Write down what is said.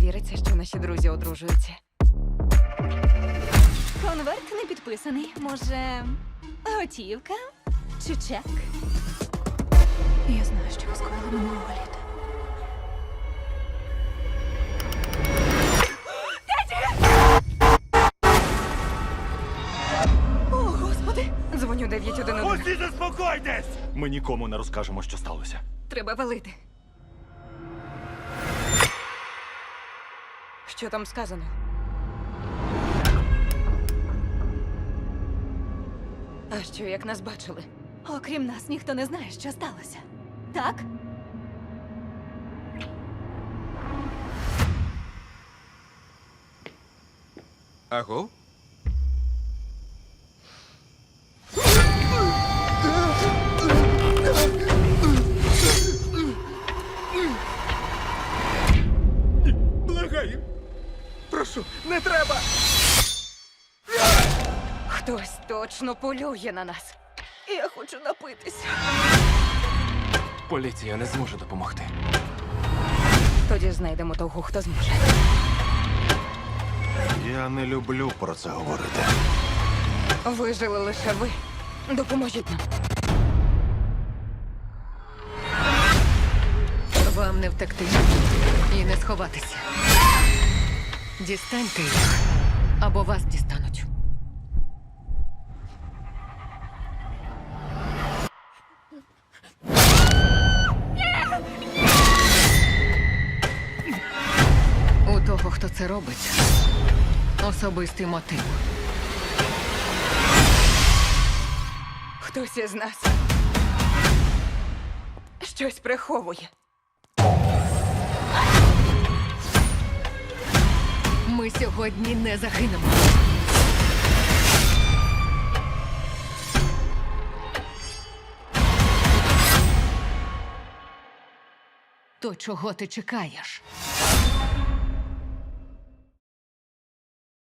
віриться, що наші друзі одружуються. Конверт не підписаний. Може, готівка чи чек? Я знаю, що ви скоїли минулого літа. О, Господи! Дзвоню 911. Усі заспокойтесь! Ми нікому не розкажемо, що сталося. Треба валити. Що там сказано? А що, як нас бачили? Окрім нас, ніхто не знає, що сталося. Так? Аго? Благаю. Прошу, не треба. Хтось точно полює на нас. Я хочу напитися. Поліція не зможе допомогти. Тоді знайдемо того, хто зможе. Я не люблю про це говорити. Вижили лише ви. Допоможіть нам. Вам не втекти і не сховатися. Дістаньте їх, або вас дістануть. У того, хто це робить, особистий мотив. Хтось із нас щось приховує. Ми сьогодні не загинемо. То чого ти чекаєш?